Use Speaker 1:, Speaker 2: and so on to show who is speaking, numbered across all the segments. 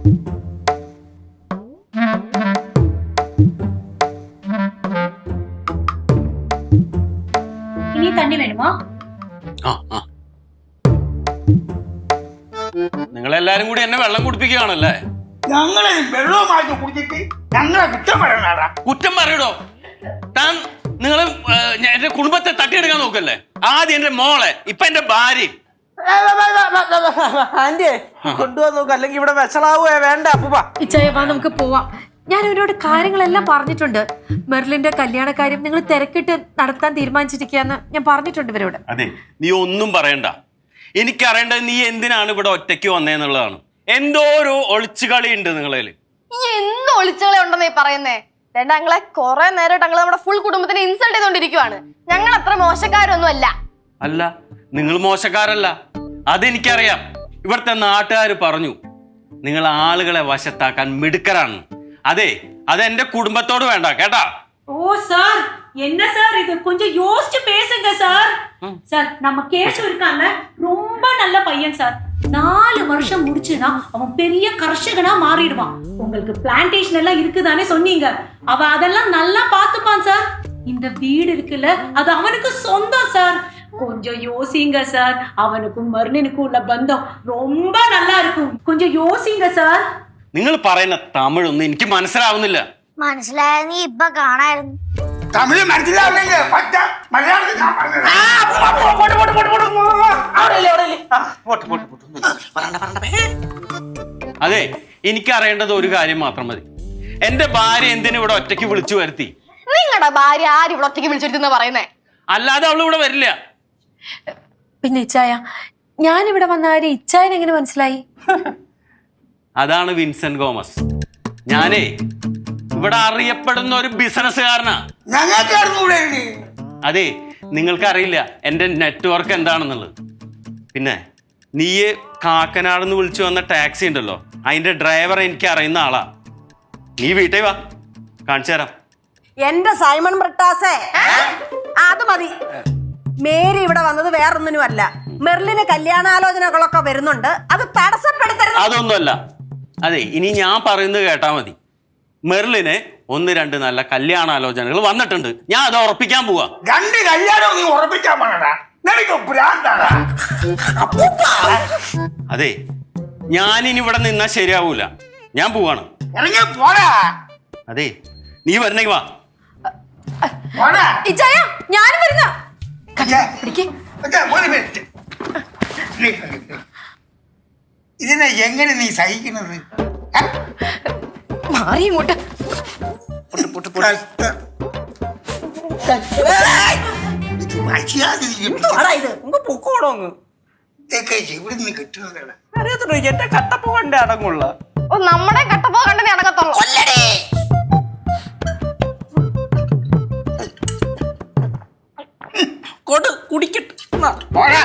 Speaker 1: ഇനി തണ്ണി വേണമോ?
Speaker 2: നിങ്ങളെല്ലാരും കൂടി എന്നെ വെള്ളം കുടിപ്പിക്കുകയാണല്ലേ?
Speaker 3: ഞങ്ങളെ വെള്ളവുമായിട്ട് കുടിച്ചിട്ട് ഞങ്ങളെ കുറ്റം പറയണടാ.
Speaker 2: കുറ്റം പറയടോ. താൻ നിങ്ങള് എന്റെ കുടുംബത്തെ തട്ടിയെടുക്കാൻ നോക്കല്ലേ? ആദ്യം എന്റെ മോളെ, ഇപ്പൊ എന്റെ ഭാര്യ.
Speaker 4: ആന്റി കൊണ്ടുപോകാൻ നോക്കുക, അല്ലെങ്കിൽ ഇവിടെ വെച്ചളാവേ വേണ്ട. അപ്പൂപ്പ
Speaker 5: ഇച്ചായ വാ നമുക്ക് പോവാം. ഞാൻ അവരോട് കാര്യങ്ങളെല്ലാം പറഞ്ഞിട്ടുണ്ട്. മെർലിന്റെ കല്യാണ കാര്യം നിങ്ങൾ തിരക്കിട്ട് നടത്താൻ തീരുമാനിച്ചിരിക്കുകയെന്ന് ഞാൻ പറഞ്ഞിട്ടുണ്ട് ഇവരോട്.
Speaker 2: അതെ, നീ ഒന്നും പറയണ്ട. എനിക്കറിയേണ്ടത് നീ എന്തിനാണ് ഇവിടെ ഒറ്റയ്ക്ക് വന്നേന്നുള്ളതാണ്. എന്തോ ഒരു ഒളിച്ചുകളി ഉണ്ട് നിങ്ങളേല്.
Speaker 6: എന്ത് ഒളിച്ചുകളി ഉണ്ടെന്നേ പറയുന്നേ? ഞങ്ങളെ കുറെ നേരമായിട്ട് ഞങ്ങൾ നമ്മുടെ ഫുൾ കുടുംബത്തിനെ ഇൻസൾട്ട് ചെയ്തോണ്ടിരിക്കുവാണ്. ഞങ്ങൾ അത്ര മോശക്കാരൊന്നും അല്ല.
Speaker 2: അല്ല, നിങ്ങൾ മോശക്കാരല്ല, അതെനിക്കറിയാം. ഇവിടുത്തെ നാട്ടുകാർ പറഞ്ഞു നിങ്ങൾ ആളുകളെ വശത്താക്കാൻ മിടുക്കരാണ്. അതെ, അത് എന്റെ കുടുംബത്തോട് വേണ്ട കേട്ടാ.
Speaker 1: ஓ சார், என்ன சார் இது? கொஞ்சம் யோசிச்சு பேசுங்க சார். சார், நம்ம கேசு இருக்காங்க, ரொம்ப நல்ல பையன் சார். 4 வருஷம் முடிச்சுனா அவன் பெரிய கர்ஷகனா மாறிடுவான். உங்களுக்கு பிளான்டேஷன் எல்லாம் இருக்குதானே சொன்னீங்க. அவ அதெல்லாம் நல்லா பாத்துப்பான் சார். இந்த வீடு இருக்குல்ல, அது அவனுக்கு சொந்தம் சார். கொஞ்சம் யோசிங்க சார். அவனுக்கும் மர்னினுக்கும் உள்ள பந்தம் ரொம்ப நல்லா இருக்கும். கொஞ்சம் யோசிங்க சார்.
Speaker 2: നിങ്ങൾ പറയുന്ന തമിഴൊന്നും എനിക്ക് മനസ്സിലാവുന്നില്ല.
Speaker 7: മനസ്സിലായ നീ ഇപ്പൊ കാണായിരുന്നു.
Speaker 3: തമിഴ് മനസ്സിലാവില്ലെങ്കിൽ പറ്റ മലയാളത്തിൽ ഞാൻ പറഞ്ഞത്.
Speaker 2: അതെ, എനിക്കറിയേണ്ടത് ഒരു കാര്യം മാത്രം മതി. എന്റെ ഭാര്യ എന്തിനു ഇവിടെ ഒറ്റയ്ക്ക് വിളിച്ചു വരുത്തി?
Speaker 6: നിങ്ങളുടെ ഭാര്യ ആരും ഇവിടെ ഒറ്റയ്ക്ക് വിളിച്ചിരുന്ന പറയുന്നേ?
Speaker 2: അല്ലാതെ അവൾ ഇവിടെ വരില്ല.
Speaker 5: പിന്നെ ഇച്ചായ, ഞാനിവിടെ വന്ന കാര്യം ഇച്ചായൻ എങ്ങനെ മനസ്സിലായി?
Speaker 2: അതാണ് വിൻസെന്റ് ഗോമസ്. ഞാനേ ഇവിടെ അറിയപ്പെടുന്ന ഒരു ബിസിനസ്സുകാരനാ.
Speaker 3: ഞങ്ങൾക്ക് അറിഞ്ഞൂടെ?
Speaker 2: അതെ, നിങ്ങൾക്കറിയില്ല എന്റെ നെറ്റ്വർക്ക് എന്താണെന്നുള്ളത്. പിന്നെ നീ കാക്കനാടെന്ന് വിളിച്ചു വന്ന ടാക്സി ഉണ്ടല്ലോ, അതിന്റെ ഡ്രൈവർ എനിക്ക് അറിയുന്ന ആളാ. നീ വീട്ടിൽ വാ, കാണിച്ചു തരാം.
Speaker 4: എന്റെ സൈമൺ ബ്രിട്ടാസേ, അത് മതി. മേരി ഇവിടെ വന്നത് വേറൊന്നിനും അല്ല. മെർലിന് കല്യാണാലോചനകളൊക്കെ വരുന്നുണ്ട്, അത് തടസ്സപ്പെടുത്തരുത്.
Speaker 2: അതൊന്നുമല്ല. അതെ, ഇനി ഞാൻ പറയുന്നത് കേട്ടാ മതി. മെർലിന് 1-2 നല്ല കല്യാണാലോചനകൾ വന്നിട്ടുണ്ട്. ഞാൻ അത് ഉറപ്പിക്കാൻ പോവാ.
Speaker 3: 2 കല്യാണം നീ ഉറപ്പിക്കാൻ പോണടാ. നിനക്ക് ഭ്രാന്താടാ.
Speaker 2: അതെ, ഞാനിനി ഇവിടെ നിന്നാ ശരിയാവൂല. ഞാൻ പോവാണ്.
Speaker 3: ഇറങ്ങി പോടാ.
Speaker 2: അതെ, നീ വരണമെങ്കിൽ വാ.
Speaker 3: പോടാ.
Speaker 5: ഇച്ചായ, ഞാനും വരുന്ന.
Speaker 3: ഒരു മിനിറ്റ്. ഇതിനെ എങ്ങനെ നീ സഹിക്കുന്നത്?
Speaker 5: മാറി ഇങ്ങോട്ട്.
Speaker 3: ഇവിടുന്ന് കിട്ടുന്നതാണ്.
Speaker 4: അറിയത്തുള്ളൂ, എന്റെ കട്ടപ്പ കണ്ടേ അടങ്ങുള്ള.
Speaker 6: ഓ, നമ്മുടെ കട്ടപ്പോ കണ്ടേ അടങ്ങത്തുള്ളൂ.
Speaker 4: കൊടു കുടിക്കട്ടെ.
Speaker 3: പോടാ.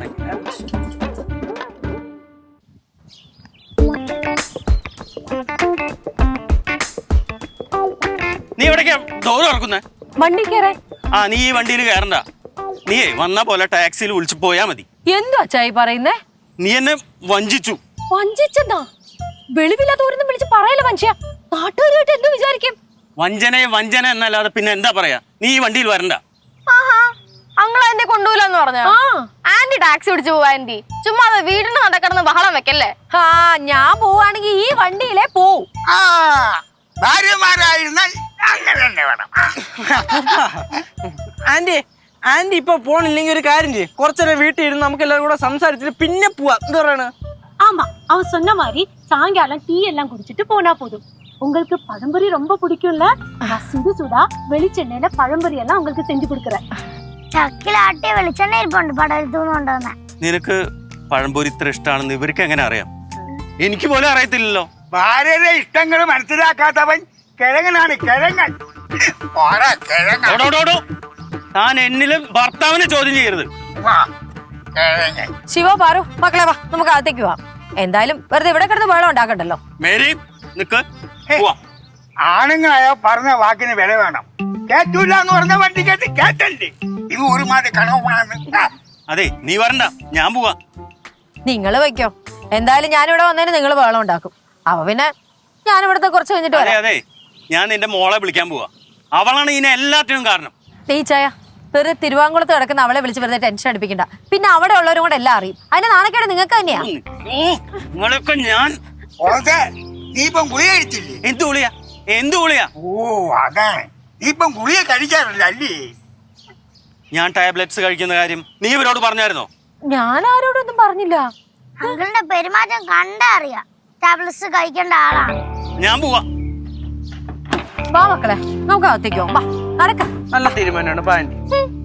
Speaker 2: നീ എവിടേക്കാ ഡോർ തുറക്കുന്നേ?
Speaker 5: വണ്ടി കയറേ.
Speaker 2: നീ ഈ വണ്ടിയിൽ കയറണ്ട. നീയേ വന്ന പോലെ ടാക്സിയിൽ വിളിച്ചു പോയാ മതി.
Speaker 5: എന്തോ അച്ചായി പറയുന്നേ?
Speaker 2: നീ എന്നെ വഞ്ചിച്ചു.
Speaker 5: വഞ്ചിച്ചെന്താ? വെളിവില്ലാത്തവരൊന്നും വിളിച്ച് പറയല മനുഷ്യ. നാട്ടുകാരുമായിട്ട് എന്തോ വിചാരിക്കും?
Speaker 2: വഞ്ചന എന്നല്ലാതെ പിന്നെ എന്താ പറയാ? നീ ഈ വണ്ടിയിൽ വരണ്ട.
Speaker 6: അങ്ങളെ എന്നെ കൊണ്ടുപോലെന്ന് പറഞ്ഞ ആന്റി ടാക്സി പിടിച്ചു പോവാ. ആന്റി ചുമ്മാ വീടിന് നടക്കിടന്ന് ബഹളം വെക്കല്ലേ.
Speaker 5: ഞാൻ പോവാണെങ്കിൽ ഈ വണ്ടിയിലേ പോവും.
Speaker 3: ഭാര്യമാരായിരുന്നാൽ അങ്ങനെ തന്നെ വേണം.
Speaker 4: ആന്റി ഇപ്പൊ പോണില്ലെങ്കിൽ ഒരു കാര്യം ചെയ്യും, കുറച്ചേരം വീട്ടിൽ ഇരുന്ന് നമുക്ക് എല്ലാവരും കൂടെ സംസാരിച്ചിട്ട് പിന്നെ പോവാ. എന്താ പറയണ?
Speaker 1: ஆமா, அவன் சொன்ன மாதிரி சாயங்காலம் டீ எல்லாம் குடிச்சிட்டு போனா போதும். உங்களுக்கு பழம்பொரி ரொம்ப பிடிக்கும்ல? நான் சுடு சுடா வெளிச்செண்ணெயில பழம்பொரி எல்லாம் உங்களுக்கு செஞ்சு கொடுக்குறேன்.
Speaker 7: ചക്കിലാട്ടിയ വെളിച്ചെണ്ണ ഇരിപ്പുണ്ട്, പടലത്തൂന്ന് കൊണ്ടുവന്ന.
Speaker 2: നിനക്ക് പഴംപൊരി ഇത്ര ഇഷ്ടമാണെന്ന് ഇവർക്ക് എങ്ങനെ അറിയാം? എനിക്ക് പോലും അറിയത്തില്ലല്ലോ.
Speaker 3: ഭാര്യയുടെ ഇഷ്ടങ്ങൾ മനസ്സിലാക്കാത്തവൻ കിഴങ്ങനാണ്, കിഴങ്ങൻ.
Speaker 2: താൻ എന്നിലും ഭർത്താവിനെ ചോദ്യം ചെയ്യരുത്.
Speaker 5: ശിവ, പാറു, മക്കളെ വാ, നമുക്ക് അകത്തേക്ക് പോവാം. എന്തായാലും വെറുതെ ഇവിടെ കിടന്ന് വെള്ളം ഉണ്ടാക്കണ്ടല്ലോ.
Speaker 2: മേരി നിക്ക്.
Speaker 3: ആണുങ്ങളായ പറഞ്ഞ വാക്കിന് വില വേണം. കേട്ടൂല എന്ന് പറഞ്ഞ വണ്ടി കേട്ട് കേട്ടല്ലേ? ഇത് ഒരുമാതിരി കണവണാണ്.
Speaker 2: അതെ, നീ വരണ്ട, ഞാൻ പോവാ.
Speaker 5: നിങ്ങൾ വയ്ക്കോ. എന്തായാലും ഞാനിവിടെ വന്നതിന് നിങ്ങൾ വെള്ളം ഉണ്ടാക്കും. അപ്പൊ പിന്നെ ഞാൻ ഇവിടുത്തെ കുറച്ച് കഴിഞ്ഞിട്ട്
Speaker 2: അതെ
Speaker 5: വരാം.
Speaker 2: അതെ, ഞാൻ നിന്റെ മോളെ വിളിക്കാൻ പോവാ. അവളാണ് ഇതിനെ എല്ലാത്തിനും കാരണം.
Speaker 5: ടീച്ചായ വെറുതെ തിരുവാങ്കുളത്ത് കിടക്കുന്ന അവളെ വിളിച്ച് വെറുതെ ടെൻഷൻ അടിപ്പിക്കണ്ട. പിന്നെ അവിടെ ഉള്ളവരും കൂടെ എല്ലാം അറിയും. അതിന്റെ നാണക്കേട് നിങ്ങൾക്ക് തന്നെയാ.
Speaker 2: നിങ്ങളൊക്കെ ഞാൻ
Speaker 3: ഓസേ, നീ ഇപ്പം ഗുളിക കഴിച്ചില്ലേ?
Speaker 2: എന്ത് ഗുളിയാ? എന്ത് ഗുളിയാ?
Speaker 3: ഓ അതാണ്, നീ ഇപ്പം ഗുളിക കഴിക്കാറില്ല അല്ലേ?
Speaker 2: ഞാൻ ടാബ്ലറ്റ്സ് കഴിക്കുന്ന കാര്യം നീ ഇവരോട് പറഞ്ഞായിരുന്നോ?
Speaker 5: ഞാൻ ആരോടൊന്നും പറഞ്ഞില്ല.
Speaker 7: അങ്കിളിന്റെ പെരുമാറ്റം കണ്ടാ അറിയാം ടാബ്ലറ്റ്സ് കഴിക്കേണ്ട ആളാണ്.
Speaker 2: ഞാൻ പോവാ.
Speaker 5: വാ മക്കളെ, നമുക്ക് അകത്തേക്കോ. വാ നടക്ക.
Speaker 8: നല്ല തീരുമാനമാണ് പാൻറ്റി.